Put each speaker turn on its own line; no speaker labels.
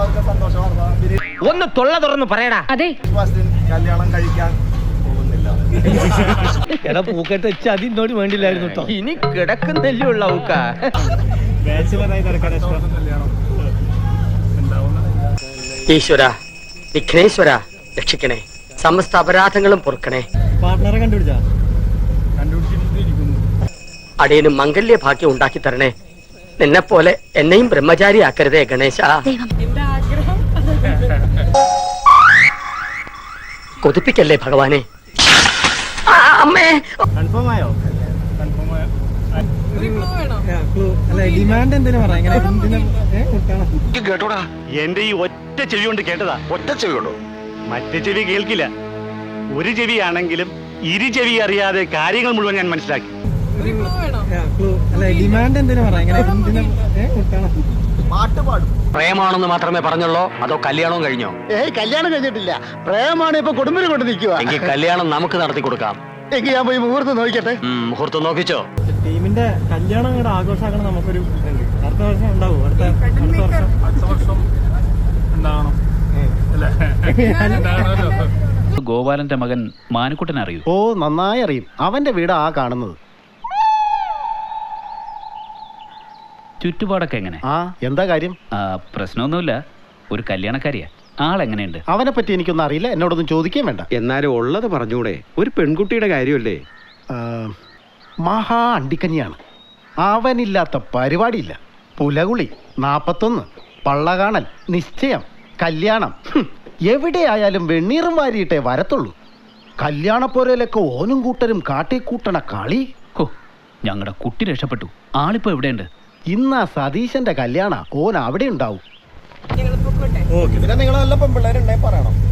എല്ലാവർക്കും സന്തോഷ വാർത്ത.
ഒന്ന് തൊള്ള തുറന്ന് പറയടാ.
അതെ,
കല്യാണം കഴിക്കാൻ പോകുന്നില്ല.
എടാ പൂക്കെട്ട് വെച്ച് അതിനോട് വേണ്ടില്ലായിരുന്നു കേട്ടോ.
ഇനി കിടക്കുന്നല്ലേ ഉള്ള ഊക്ക.
ഈശ്വര, വിഘ്നേശ്വര രക്ഷിക്കണേ, സമസ്ത അപരാധങ്ങളും പൊറുക്കണേ.
പാർട്ട്ണറെ കണ്ടുപിടിച്ചാ?
അടിയനും മംഗല്യ ഭാഗ്യം ഉണ്ടാക്കി തരണേ. നിന്നെ പോലെ എന്നെയും ബ്രഹ്മചാരിയാക്കരുതേ ഗണേശ. കൊതിപ്പിക്കല്ലേ ഭഗവാനെ. അമ്മേ,
കൺഫേം ആയോ? ഡിമാൻഡ് എന്തിനാ പറയാ?
കേട്ടോടാ, എന്റെ ഈ ഒറ്റ ചെവി കൊണ്ട് കേട്ടതാ. ഒറ്റ ചെവി കൊണ്ടോ? മറ്റേ ചെവി കേൾക്കില്ല. ഒരു ചെവിയാണെങ്കിലും ഇരു ചെവി അറിയാതെ കാര്യങ്ങൾ മുഴുവൻ ഞാൻ മനസ്സിലാക്കി.
ഡിമാൻഡ് എന്തിനാ പറയാ?
പാട്ട് പാടും.
പ്രേമാണെന്ന് മാത്രമേ പറഞ്ഞുള്ളൂ, അതോ കല്യാണവും കഴിഞ്ഞോ?
കല്യാണം കഴിഞ്ഞിട്ടില്ല, പ്രേമാണ് ഇപ്പൊ കുടുംബം കൊണ്ട് നിൽക്കുക.
എങ്കിൽ കല്യാണം നമുക്ക് നടത്തി കൊടുക്കാം.
എങ്കിൽ ഞാൻ പോയി മുഹൂർത്തം നോക്കിക്കട്ടെ.
മുഹൂർത്തം നോക്കിച്ചോ?
ടീമിന്റെ കല്യാണം അങ്ങോട്ട് ആഘോഷമാക്കണം. നമുക്കൊരു അടുത്ത വർഷം ഉണ്ടാവും. അടുത്ത വർഷം
ഉണ്ടാവണം.
ഗോപാലന്റെ മകൻ മാനുക്കുട്ടൻ അറിയൂ?
ഓ, നന്നായി അറിയും. അവന്റെ വീട് ആ കാണുന്നത്.
ചുറ്റുപാടൊക്കെ എങ്ങനെ?
ആ, എന്താ കാര്യം?
പ്രശ്നമൊന്നുമില്ല. ഒരു കല്യാണക്കാരിയാ. ആളെങ്ങനെയുണ്ട്?
അവനെ പറ്റി എനിക്കൊന്നും അറിയില്ല, എന്നോടൊന്നും ചോദിക്കാൻ വേണ്ട.
എന്നാലും ഉള്ളത് പറഞ്ഞൂടെ? ഒരു പെൺകുട്ടിയുടെ കാര്യമല്ലേ?
മഹാ അണ്ടിക്കഞ്ഞിയാണ്. അവനില്ലാത്ത പരിപാടിയില്ല. പുലകുളി, 41, പള്ള കാണൽ, നിശ്ചയം, കല്യാണം. എവിടെയായാലും വെണ്ണീറും വാരിയിട്ടേ വരത്തുള്ളൂ. കല്യാണപ്പോരയിലൊക്കെ ഓനും കൂട്ടരും കാട്ടിക്കൂട്ടണ കളി.
ഹോ, ഞങ്ങളുടെ കുട്ടി രക്ഷപ്പെട്ടു. ആളിപ്പോ എവിടെയുണ്ട്?
ഇന്നാ സതീശന്റെ കല്യാണ. ഓൻ അവിടെ ഉണ്ടാവും.
പിന്നെ നിങ്ങൾ നല്ല പെൺപിള്ളേരുണ്ടെങ്കിൽ പറയണം.